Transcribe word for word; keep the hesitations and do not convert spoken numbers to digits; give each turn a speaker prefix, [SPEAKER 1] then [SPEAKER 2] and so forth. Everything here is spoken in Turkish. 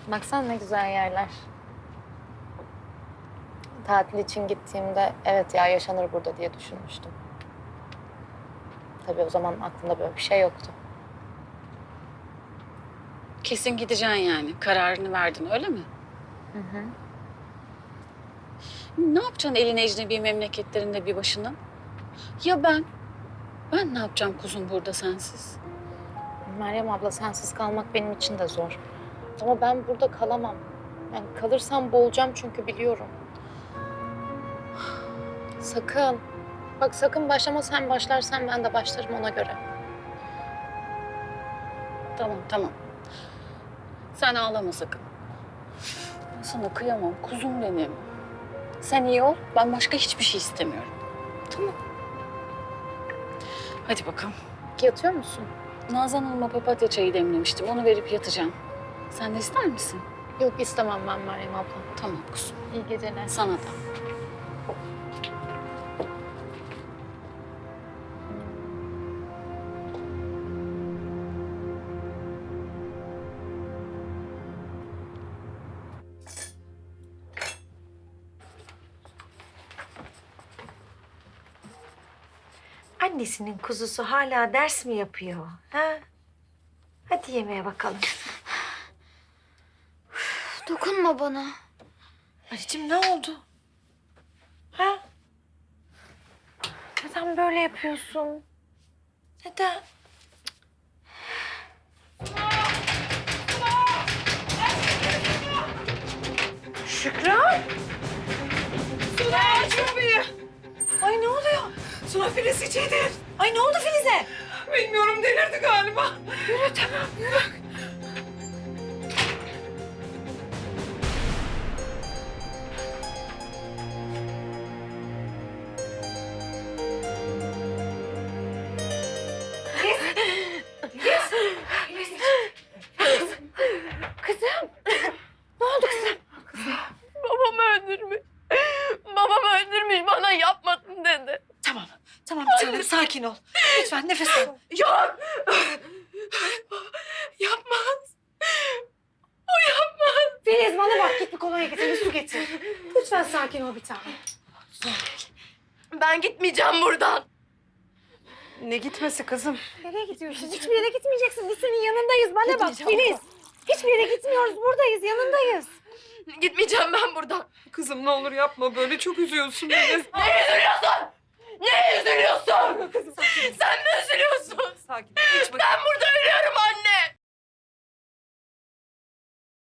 [SPEAKER 1] Baksana ne güzel yerler. Tatil için gittiğimde evet ya yaşanır burada diye düşünmüştüm. Tabii o zaman aklımda böyle bir şey yoktu.
[SPEAKER 2] Kesin gideceksin yani. Kararını verdin öyle mi?
[SPEAKER 1] Hı hı.
[SPEAKER 2] Ne yapacaksın elin ecnebi memleketlerinde bir başına? Ya ben? Ben ne yapacağım kuzum burada sensiz?
[SPEAKER 1] Meryem abla sensiz kalmak benim için de zor. Ama ben burada kalamam. Yani kalırsam boğulacağım çünkü biliyorum. Sakın. Bak sakın başlama, sen başlarsan ben de başlarım ona göre.
[SPEAKER 2] Tamam tamam. Sen ağlama sakın. Ben sana kıyamam kuzum benim. Sen iyi ol. Ben başka hiçbir şey istemiyorum. Tamam. Hadi bakalım.
[SPEAKER 1] Yatıyor musun?
[SPEAKER 2] Nazan Hanım'a papatya çayı demlemiştim. Onu verip yatacağım. Sen de ister misin?
[SPEAKER 1] Yok istemem ben Meryem abla.
[SPEAKER 2] Tamam kuzum.
[SPEAKER 1] İyi geceler.
[SPEAKER 2] Sana da.
[SPEAKER 3] Annesinin kuzusu hala ders mi yapıyor? Ha? Hadi yemeğe bakalım.
[SPEAKER 1] Dokunma bana.
[SPEAKER 3] Anneciğim ne oldu? Ha? Neden böyle yapıyorsun? Neden? Şükran!
[SPEAKER 4] Suna aç kapıyı.
[SPEAKER 3] Ay ne oluyor?
[SPEAKER 4] Suna Filiz içidir.
[SPEAKER 3] Ay ne oldu Filiz'e?
[SPEAKER 4] Bilmiyorum delirdi galiba.
[SPEAKER 3] Yürü tamam yürü. Kızım. Ne oldu kızım?
[SPEAKER 4] Babam öldürmüş. Babam öldürmüş bana yapmadın dedi.
[SPEAKER 3] Tamam. Tamam bir tanem sakin ol. Lütfen nefes al.
[SPEAKER 4] Yok. Yapmaz. O yapmaz.
[SPEAKER 3] Filiz bana bak git bir kolonya getir bir su getir. Lütfen sakin ol bir tanem.
[SPEAKER 4] Ben gitmeyeceğim buradan.
[SPEAKER 5] Ne gitmesi kızım?
[SPEAKER 3] Nereye gidiyorsun? Hiçbir yere gitmeyeceksin. Biz senin yanındayız. Bana bak
[SPEAKER 4] Gitmeyeceğim.
[SPEAKER 3] Filiz. Hiçbir yere gitmiyoruz. Buradayız. Yanındayız.
[SPEAKER 4] Gitmeyeceğim ben buradan.
[SPEAKER 5] Kızım ne olur yapma böyle çok üzüyorsun beni.
[SPEAKER 4] Ne üzülüyorsun? Ne üzülüyorsun? Sen mi üzülüyorsun?
[SPEAKER 5] Sakin ol. Hiç bak.
[SPEAKER 4] Ben burada ölüyorum anne.